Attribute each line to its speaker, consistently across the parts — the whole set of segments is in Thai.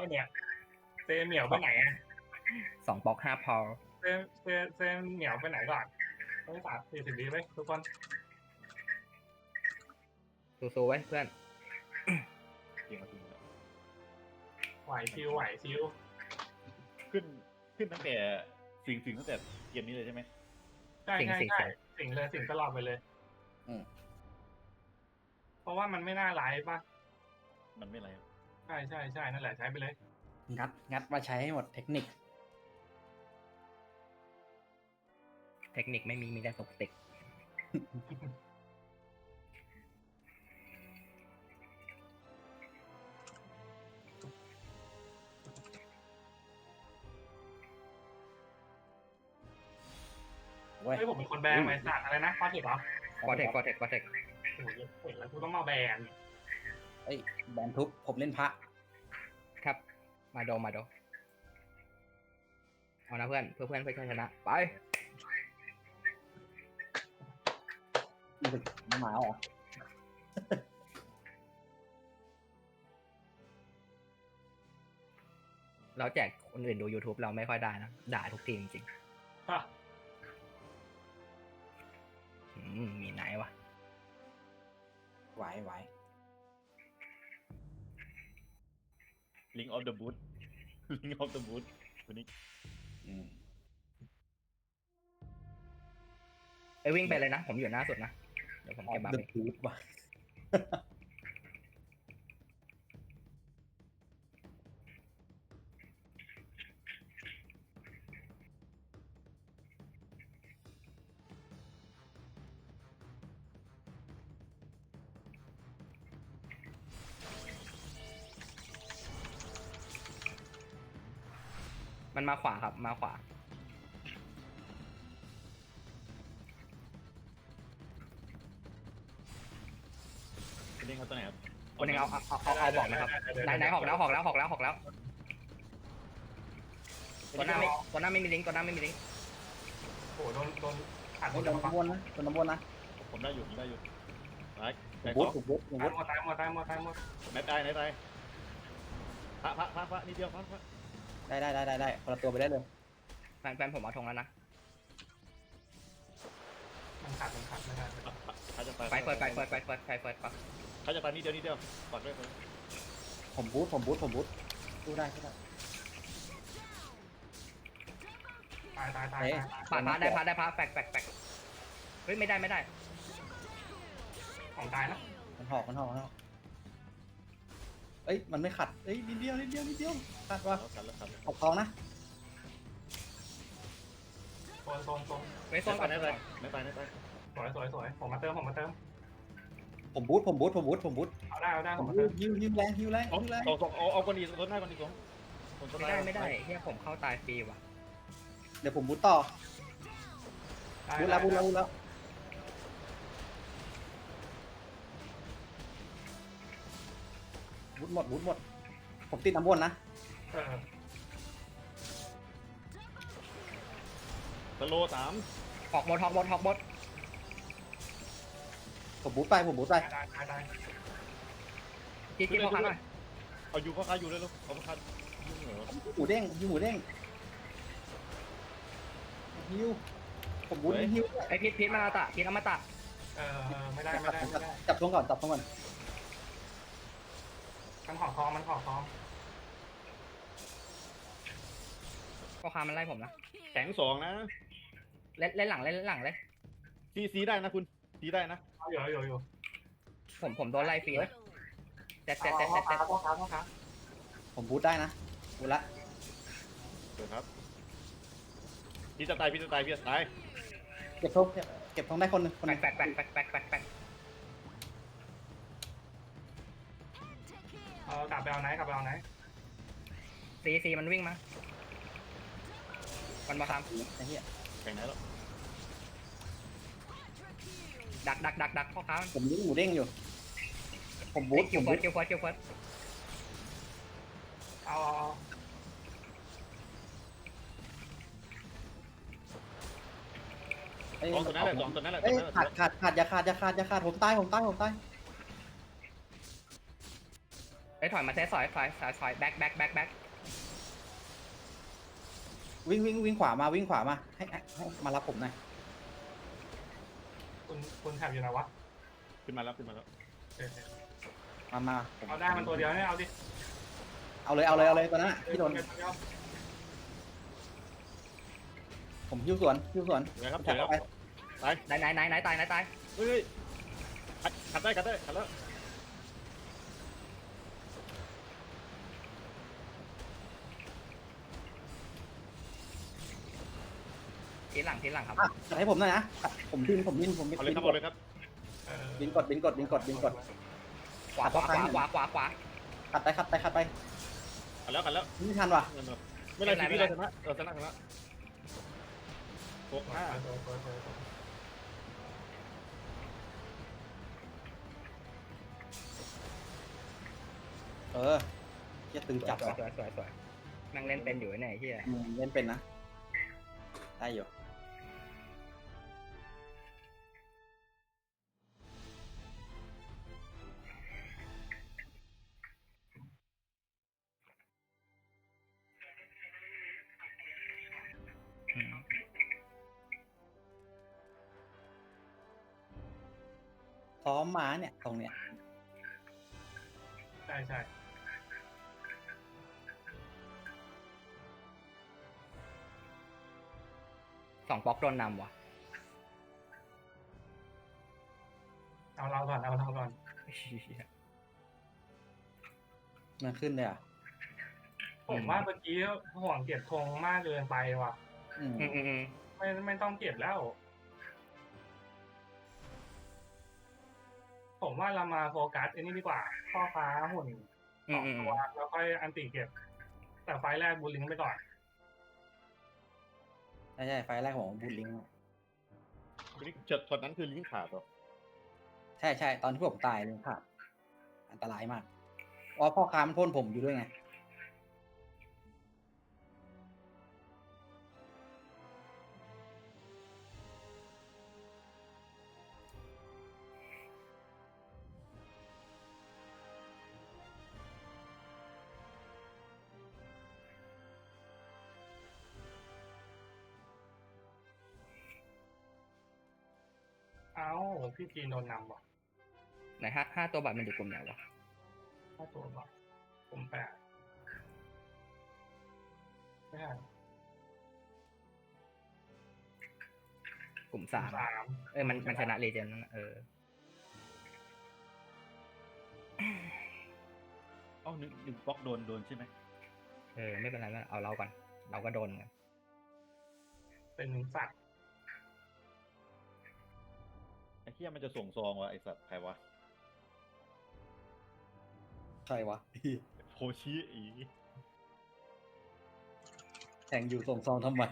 Speaker 1: เนี่ยเซเหมียวไปไหนอะ
Speaker 2: 2 บล็อก 5 พอ
Speaker 1: เซเหมียวไปไหนก่อนต้อง40 วิไว้ทุกคน
Speaker 2: สู้ๆไว้เพื่อน
Speaker 3: จริงจริงแล้ว
Speaker 1: ไหวชิว
Speaker 3: ขึ้นตั้งแต่สิ่งตั้งแต่เกมนี้เลยใช่ไหม
Speaker 1: ใช่สิ่งเลยสิ่งตลอดไปเลยเพราะว่ามันไม่น่าไลฟ์ป่ะ
Speaker 3: มันไม่ไร
Speaker 1: ใช่นั่นแหละใช้ไปเลย
Speaker 4: งัดมาใช้ให้หมดเทคนิค
Speaker 2: เทคนิคไม่มีแต่ตกติก
Speaker 4: เว้ย
Speaker 1: เฮ้ยผมเป็นคนแบนไหมสัตว์อะไรนะฟอร์เทคเหรอ
Speaker 2: ฟอร์เทค
Speaker 1: โอ้ยเห็นแล้วกูต้องมาแบน
Speaker 4: เอ้ยแบนทุบผมเล่นพระ
Speaker 2: ครับ มาโดเอานะเพื่อนเพื่อชนะไป
Speaker 4: มันหมาเหรอ
Speaker 2: เราแจกคนอื่นดู YouTube เราไม่ค่อยได้นะ ด่าทุกทีจริง
Speaker 1: ฮะ
Speaker 2: ๆมีไหนวะ
Speaker 4: ไหว
Speaker 3: ลิงออฟเดอะบูทลิงออฟเดอะบูทวันนี้
Speaker 2: วิ่งไปเลยนะ ผมอยู่หน้าสุดนะ เดี๋ยวผมเก็บบัฟ
Speaker 4: เด
Speaker 2: เอ
Speaker 4: อะ
Speaker 2: ง
Speaker 4: ทูบว่ะ
Speaker 2: มันมาขวาครับ มาขวา
Speaker 3: คุณเล่นเขาตัวไหนครับ
Speaker 2: คนหนึ่งเอาบอกนะครับไหนออกแล้วตัวหน้าไม่มีลิงก์ตัวหน้าไม่มีลิงก์
Speaker 1: โอ้โหโดนอัดหม
Speaker 4: โด
Speaker 1: ด
Speaker 4: น
Speaker 1: เลย
Speaker 4: น้ำวนนะโดนน้ำวนนะ
Speaker 3: ผมได้อยู่ตาย
Speaker 4: บูทผมบูท
Speaker 1: ตายหมด
Speaker 3: ไหนตายพระนิดเดียวพระ
Speaker 4: ได้คนละตัวไปได้เลย
Speaker 2: แฟนผมเอาธงแล้วนะ
Speaker 1: มันขาดไม่ได้
Speaker 3: พระจะตาย
Speaker 2: ไฟเปิด
Speaker 3: เขาจะตายนิดเดียวกอดด้วย
Speaker 4: ผมบูทสู้ได้
Speaker 1: ตาย
Speaker 2: ปาดพาได้พาแฟกเฮ้ยไม่ได้
Speaker 1: ของตายนะ
Speaker 4: มันหอกเอ้ยมันไม่ขัดเอ้ยนิดเดียวขัดว่ะ
Speaker 3: แล้วครับ
Speaker 4: ออกทองนะ
Speaker 1: โซน
Speaker 2: เฮ้ยโซนก่อน
Speaker 3: ไม่ตาย
Speaker 1: สวยผมมาเติม
Speaker 4: ผมบูท
Speaker 1: เอาได้
Speaker 4: ผ
Speaker 1: ผม
Speaker 4: ม
Speaker 1: มา
Speaker 4: บู
Speaker 1: เติ
Speaker 4: ท
Speaker 1: ม
Speaker 4: ฮิวแรง
Speaker 3: เอาคนดีคนหน้าคนดีผม
Speaker 2: ไม่ได้เฮียผมเข้าตายฟรีว่ะ
Speaker 4: เดี๋ยวผมบูทต่อบูทแล้วบูทหมดผมติดน้ำวนนะ
Speaker 3: สโล3
Speaker 2: หอกบด
Speaker 4: ผมบูทไป
Speaker 1: ได้
Speaker 2: จิ๊บพ่อค้าหน่อย
Speaker 3: เอาอยู่เขาคาอยู่เลยลูกเอาเขาคายุ่งเหรอ
Speaker 4: หมูเด้งฮิวผมบูทฮิว
Speaker 2: ไอพิษมาตะพิษอมตะ
Speaker 1: ไม่ได้
Speaker 4: จับทงก่อน
Speaker 1: มันขอทอง
Speaker 2: พ่อค้ามันไล่ผมนะ
Speaker 3: แข็ง2นะ
Speaker 2: เล่นหลังเลย
Speaker 3: ซีได้นะคุณซีได้นะ
Speaker 1: อยู่
Speaker 2: ผมโดนไล่ฟรีนะแจ๊ด
Speaker 1: พ่อค้า
Speaker 4: ผมบูทได้นะบูทละ
Speaker 3: เดี๋ยวครับพี่จะตาย
Speaker 4: เก็บทงได้คนหนึ่ง
Speaker 2: แฟก
Speaker 1: กลับไปเอาไหน
Speaker 2: ซีมันวิ่งมามันมาท
Speaker 4: ไอ้เหี้ย
Speaker 3: แข่งไหนแล้ว
Speaker 2: ำดักพ่อค้า
Speaker 4: ผมยิงหมูเด้งอยู่ ผมบูท
Speaker 2: คิวเฟิร์ส
Speaker 1: เอา
Speaker 3: สองตัวนั้นแหละ
Speaker 4: เอ้ยขาดอย่าขาดผมตาย
Speaker 2: ไอ้ยถอยมาเซตซอยแบ็ค
Speaker 4: วิ่งขวามาวิ่งขวามาให้มารับผมหน่อย
Speaker 1: คุณแถบอยู่ไหนวะ
Speaker 3: ขึ้นมาแล้วขึ้นมาแล้ว
Speaker 1: เออ
Speaker 4: มาผม
Speaker 1: เอาได้มันตัวเดียวเนี่ยเอาดิ
Speaker 4: เอาเลยตอนนั้นพี่โดน
Speaker 1: ตัวเดียว
Speaker 4: ผมหิ้วสวน
Speaker 3: เดี๋ยวครับเดี๋ยวครับ
Speaker 4: ไป
Speaker 3: ตาย
Speaker 2: ไหนตาย
Speaker 3: เฮ้ยขัดได้ขัดแล้ว
Speaker 2: ทีหลังครับ
Speaker 4: อ่ะจัดให้ผมหน่อยนะผมบินผม
Speaker 3: เอาเลยครับเอาเลยครับ
Speaker 4: บินกด
Speaker 2: ขวา
Speaker 4: ขัดไป
Speaker 3: ขัดแล้ว
Speaker 4: ไม่ทันว่ะ
Speaker 3: ไม่เป็นไรพี่เราชนะ6-5
Speaker 4: เหี้ยตึงจัดว่ะ
Speaker 2: สวยนั่งเล่นเป็นอยู่ไอ้เนี่ยเฮีย
Speaker 4: เล่นเป็นนะได้อยู่ซ้อมม้าเนี่ยตรงเนี้ย
Speaker 1: ใช่
Speaker 2: 2บล็อกโดนนำว่ะ
Speaker 1: เอาเราก่อน
Speaker 4: มันขึ้นเลยอ่ะ
Speaker 1: ผมว่าเมื่อกี้ห่วงเก็บธงมากเกินไปว่ะ
Speaker 4: อืม
Speaker 1: ไม่ต้องเก็บแล้ว ผมว่าเรามาโฟกัสไอ้นี่ดีกว่าพ่อค้าหุ่นสองตัวแล้วค่อยอันติเก็บ แต่ไฟล์แรกบูลลิงก์ไปก่อน
Speaker 4: ใช่ไฟล์แรกของบูลลิงก์
Speaker 3: ช็อตนั้นคือลิงก์ขาดเหรอ
Speaker 4: ใช่ตอนที่ผมตายเลยครับอันตรายมากเพราะพ่อค้ามันพ่นผมอยู่ด้วยไง
Speaker 1: เอ้าพี่จีนโดนนำว่ะ
Speaker 2: ไหนห้าตัวบัตรมันอยู่กลุ่มไหนวะ
Speaker 1: ถ้าตัวแบบผมแปดไม่ใช่
Speaker 2: กลุ่ม
Speaker 1: สา
Speaker 2: 3
Speaker 1: ม
Speaker 2: มันชนะเลเจนด์นั่นน่ะ
Speaker 3: หนึ่งบล็อกโดนใช่ไหม
Speaker 2: ไม่เป็นไรไม่เอาเราก่อนเราก็โดนกัน
Speaker 1: เป็นสัตว์
Speaker 3: ไอ้เหี้ยมันจะส่งซองวะไอ้สัตว์ใครวะ
Speaker 4: ใครวะ
Speaker 3: โคชิอี
Speaker 4: แข่งอยู่ส่งซองทำไม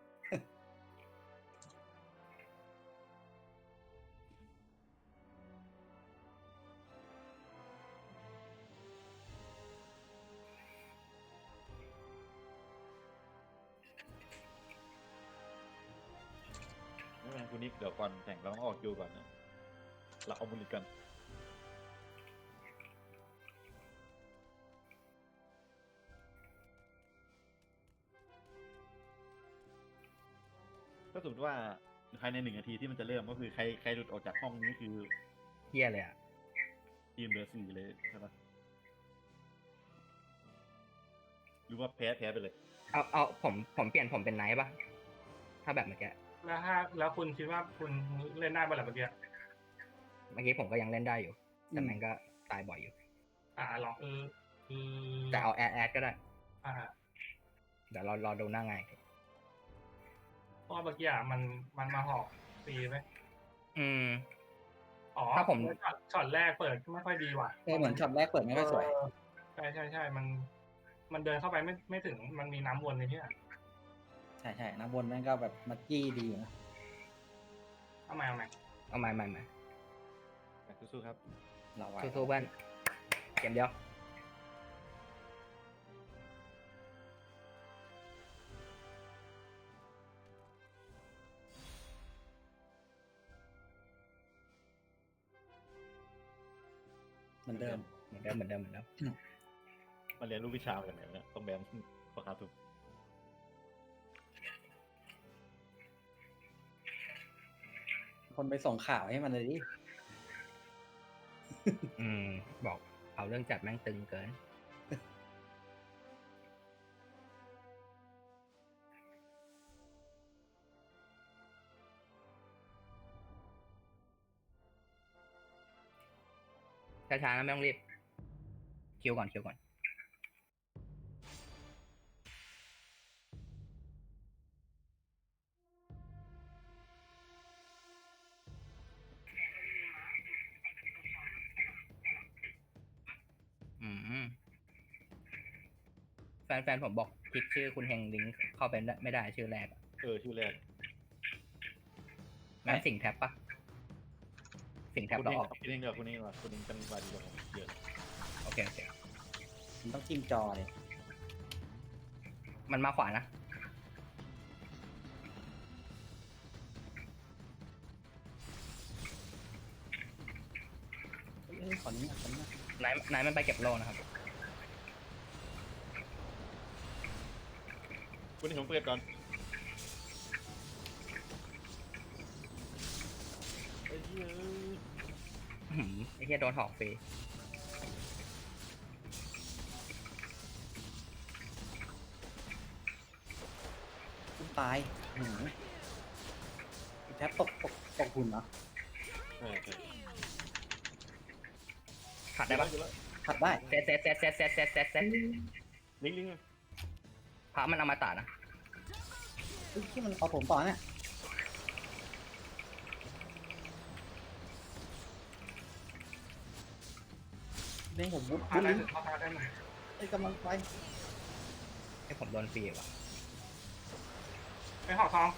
Speaker 3: ไม่เป็นไรคุณนิกเดี๋ยวก่อนแข่งเราต้องออกคิวก่อนนะเราเอาบุลิกันก็สมมติว่าภายใน1 นาทีที่มันจะเริ่มก็คือใครหลุดออกจากห้องนี้คือ
Speaker 2: เฮียเลยอ่ะ
Speaker 3: ทีมเหลือ4เลยใช่ปะหรือว่าแพ้ไปเลย
Speaker 2: เอาผมเปลี่ยนผมเป็นไนท์ป่ะถ้าแบบเมื่อกี้
Speaker 1: แล้วคุณคิดว่าคุณเล่นได้บ้างหรือเปล่าเมื่อกี้
Speaker 2: ผมก็ยังเล่นได้อยู่แต่มันก็ตายบ่อยอยู่
Speaker 1: ลอง
Speaker 2: แต่เอาแอดก็ได้
Speaker 1: อ่า
Speaker 2: เดี๋ยวเรารอดูหน้าไง
Speaker 1: เพราะเมื่อกี้มันมาหอกตีไหม อ๋อ
Speaker 2: ถ้าผม
Speaker 1: ช็อตแรกเปิดไม่ค่อยดีว่ะ
Speaker 4: เหมือนช็อตแรกเปิดไม่ค่อยสวย
Speaker 1: ใช่มันเดินเข้าไปไม่ถึงมันมีน้ำวนในที่อ่ะ
Speaker 4: ใช่น้ำบนแม่งก็แบบมัดจี้ดีอยู่นะ
Speaker 1: เอาใหม่
Speaker 2: เอาใหม่
Speaker 3: สู้ๆครับ
Speaker 4: เราไว้
Speaker 2: สู้ๆเพื่อนเกมเดียว
Speaker 4: เหมือนเดิม
Speaker 2: เหมือนเดิม
Speaker 3: มาเรียนรู้วิชากันไหนเนี่ยต้องแบนพ่อค้าถูก
Speaker 4: คนไปส่งข่าวให้มันเลยดิ
Speaker 2: บอกเอาเรื่องจัดแม่งตึงเกิน ช้าๆนะไม่ต้องรีบ คิวก่อน แฟนผมบอกคลิกชื่อคุณเฮงลิงก์เข้าไปไม่ได้ชื่อแรกอะ
Speaker 3: ชื่อแรก
Speaker 2: งั้นสิ่งแท็บปะสิ่งแท็บ
Speaker 3: คุณ
Speaker 2: เรา
Speaker 3: เอง
Speaker 2: ออก
Speaker 3: คุณเองเดี๋ยวคุณเองว่ะคุณเองจังหวะดีกว่าผมเยอะ
Speaker 2: โอเค
Speaker 4: มันต้องจิ้มจอเลย
Speaker 2: มันมาขวานะ
Speaker 4: ขอนี้ขอนี้
Speaker 2: ไหนมันไปเก็บโลนะครับ
Speaker 3: คุณเองผมเปิดก่อนไอ้เหี้ย
Speaker 2: ไอ้เหี้ยโดนหอกฟรี
Speaker 4: ตายแทบตกหุ่นเหรอ
Speaker 3: ใช่
Speaker 2: ขัดได้ปะ
Speaker 4: ขัดได้
Speaker 2: เซต
Speaker 3: ลิงก์
Speaker 2: พระมันเอามาตัดนะ
Speaker 4: ที่มันเอาผมต่อเนี่ยเด้งผมบุ๊บ
Speaker 1: พาได้ถึงพ่อค้าได้ไหม
Speaker 4: ไอ้กำลังไป
Speaker 2: ให้ผมโดนฟรีว่ะ
Speaker 1: ไปห่อทอง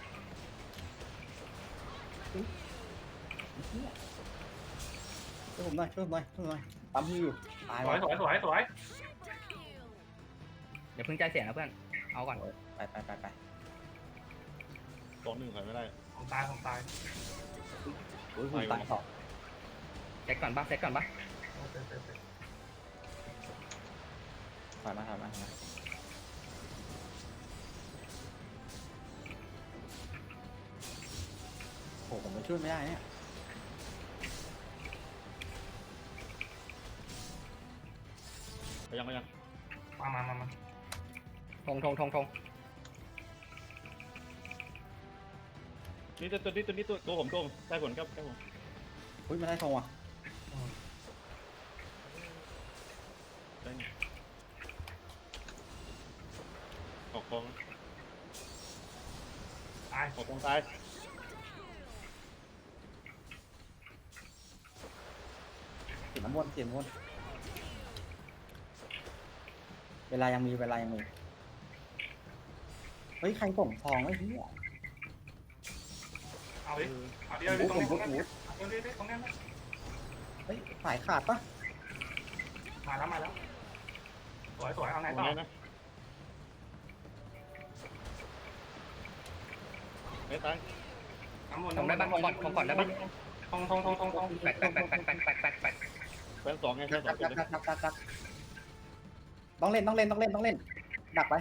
Speaker 4: ช่วยผมหน่อยปั๊มอยู่ตาย
Speaker 1: สวย
Speaker 2: เดี๋ยวเพิ่งใจเสียนะเพื่อน เอาก่อน
Speaker 4: ไป
Speaker 3: 2-1ถอยไม่ได้
Speaker 1: ผมตาย
Speaker 4: โอ้ยหุ่นตายต่อ
Speaker 2: เซตก่อนปะ
Speaker 4: ถอยมาโอ้ผมไปช่วยไม่ได้เนี่ย
Speaker 3: ไปยัง
Speaker 1: มา
Speaker 2: ทง
Speaker 3: นี่ตัวผมได้ผลครับผม
Speaker 4: อุ้ยไม่ได้ทงว่ะ
Speaker 3: ได้ออกกอง
Speaker 1: ตาย
Speaker 3: ออกกองตาย
Speaker 4: เสียน้ำวนเวลายังมีเฮ้ยใครส่งทองไอ้เหี้ย
Speaker 1: เอาดิตรงนี้ตรงนี้
Speaker 4: เฮ้ยสายขาดปะ
Speaker 1: มาแล้วสวยเอาไงต่อ
Speaker 3: นะไม่ตาย
Speaker 2: ทงได้ปะทงก่อนได้ปะ
Speaker 1: ทง
Speaker 2: แปก
Speaker 3: แฟน2ไงแฟน2เลย
Speaker 4: ดักต้องเล่นดักไป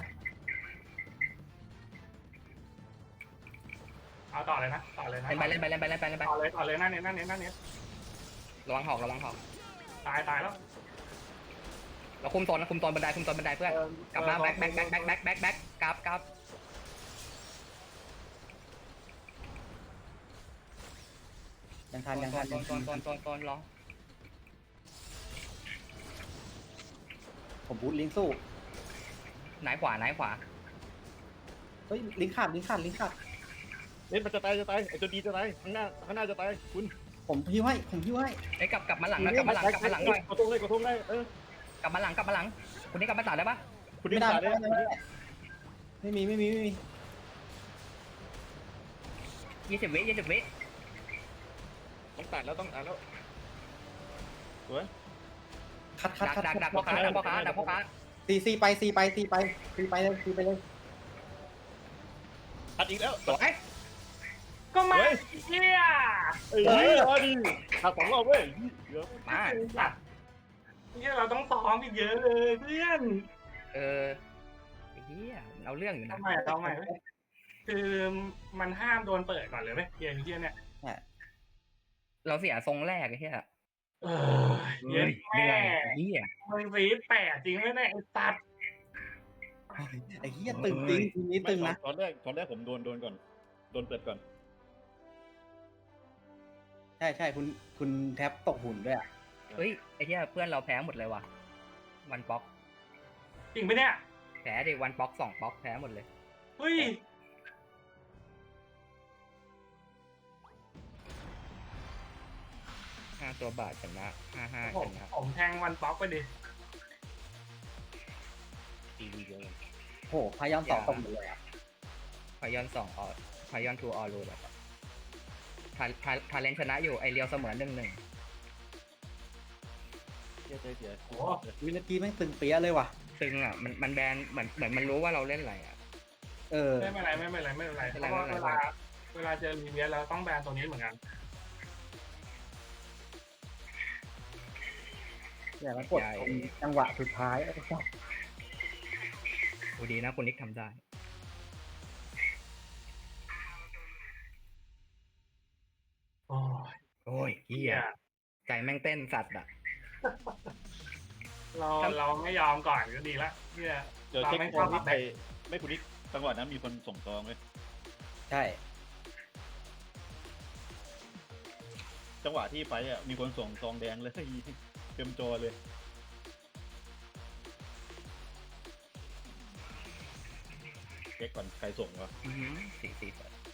Speaker 1: เอาต่อเลยนะเล่นไป
Speaker 2: เล่นไป
Speaker 1: ต่อเลยนั่นเนี่ย
Speaker 2: ระวังหอก
Speaker 1: ตายแล้ว
Speaker 2: เราคุมโซนบันไดเพื่อน กลับมาแบ็คกลับ
Speaker 4: ยังทัน
Speaker 2: ตอนรอ
Speaker 4: ผมบูทลิงสู้
Speaker 2: ไหนขวา
Speaker 4: เฮ้ยลิงขาด
Speaker 3: เล่นมันจะตายไอ้ตัวดีจะตายข้างหน้าจะตายคุณ
Speaker 4: ผมพิ้วให้
Speaker 2: ไอ้กลับมาหลังนะกลับมาหลังหน่อย
Speaker 3: กระทงเลยก
Speaker 2: กลับมาหลังคุณนี่กลับมาตัดได้ปะ
Speaker 3: คุณ
Speaker 4: ไม่
Speaker 3: นี่
Speaker 4: ได้
Speaker 3: ตายเลย
Speaker 4: ไม่มี
Speaker 2: 20 วิ
Speaker 3: ต้องตัดแล้วสวย
Speaker 4: คัด
Speaker 2: ดักพ่อค้า
Speaker 4: ซีไปเลย
Speaker 3: ตัดอีกแล้ว
Speaker 2: สวย
Speaker 1: ก็มาเฮีย
Speaker 3: เฮ้ยดีตัด2 รอบเว้ยเยอะ
Speaker 2: มา
Speaker 1: สัตว์เนี่ยเราต้องซ้อมอีกเยอะเลยเพื่อน
Speaker 2: ไอ้เหี้ยเอาเรื่องอยู่นะ
Speaker 1: ทำไมคือมันห้ามโดนเปิดก่อนเลยไหมเกมที่เนี่ย
Speaker 2: เราเสียทรงแรกไอ้เหี้ย
Speaker 1: เย็น
Speaker 2: เหนื่
Speaker 1: แม่
Speaker 2: อยไอ้เหี้ย
Speaker 1: มึงซี8จริงไหมเนี่ยไอ้สัตว์
Speaker 4: ไอ้เหี้ยตึงจริงทีนี้ตึงนะ
Speaker 3: ตอนแรกผมโดนก่อนโดนเปิดก่อน
Speaker 4: ใช่คุณแท็บตกหุ่นด้วยอ่ะ
Speaker 2: เฮ้ยไอ้เหี้ยเพื่อนเราแพ้หมดเลยว่ะวันป๊อก
Speaker 1: จริงไหมเนี่ย
Speaker 2: แพ้ดิวันป๊อก2ป๊อกแพ้หมดเลย
Speaker 1: เฮ้ย
Speaker 2: 5 ตัวบาทชนะ55
Speaker 1: ผ
Speaker 2: ช
Speaker 1: ม
Speaker 2: นะ
Speaker 1: ผมแทงวันป๊อกไปดิ
Speaker 3: ทีวีเดียวเลย
Speaker 4: โหพายอนสองตกหมดเลยอ่ะ
Speaker 2: พายอน2ออพายอน2ออรูแบบทาเลนชนะอยู่ไอเรียวเสมอ1-1
Speaker 3: เสีย
Speaker 1: โอ้
Speaker 4: วินาทีแม่งตึงเปี้ยเลยว่ะ
Speaker 2: ตึงอ่ะมันแบนเหมือนมันรู้ว่าเราเล่นอะไรอ่ะ
Speaker 1: ไม่เป็นไรเพราะว่าเวลาเจอรีเวียเราต้องแบนตัวนี้เหมือนกัน
Speaker 4: อย่าแล้วกดตรงจังหวะสุดท้ายไอ้สัส
Speaker 2: ดูดีนะคุณนิกทำได้
Speaker 1: โอ้ย
Speaker 2: โอ้ยเหี้ยใจแม่งเต้นสัตว์อ่ะ
Speaker 1: เราไม่ยอมก่อนก็ดีละเนี่ย
Speaker 3: เดี๋ยว
Speaker 1: เรา
Speaker 3: เช็ค
Speaker 1: ไม่
Speaker 3: ค
Speaker 1: ชอน บ
Speaker 3: ที่
Speaker 1: ทำ
Speaker 3: ไป
Speaker 1: แบบ
Speaker 3: ไม่คุณนิกจังหวะนั้นมีคนส่งซองไหม
Speaker 4: ใช่
Speaker 3: จังหวะที่ไปอ่ะมีคนส่งซองแดงเลยเต็มจอเลย เช็คก่อนใครส่งวะ
Speaker 2: 4-4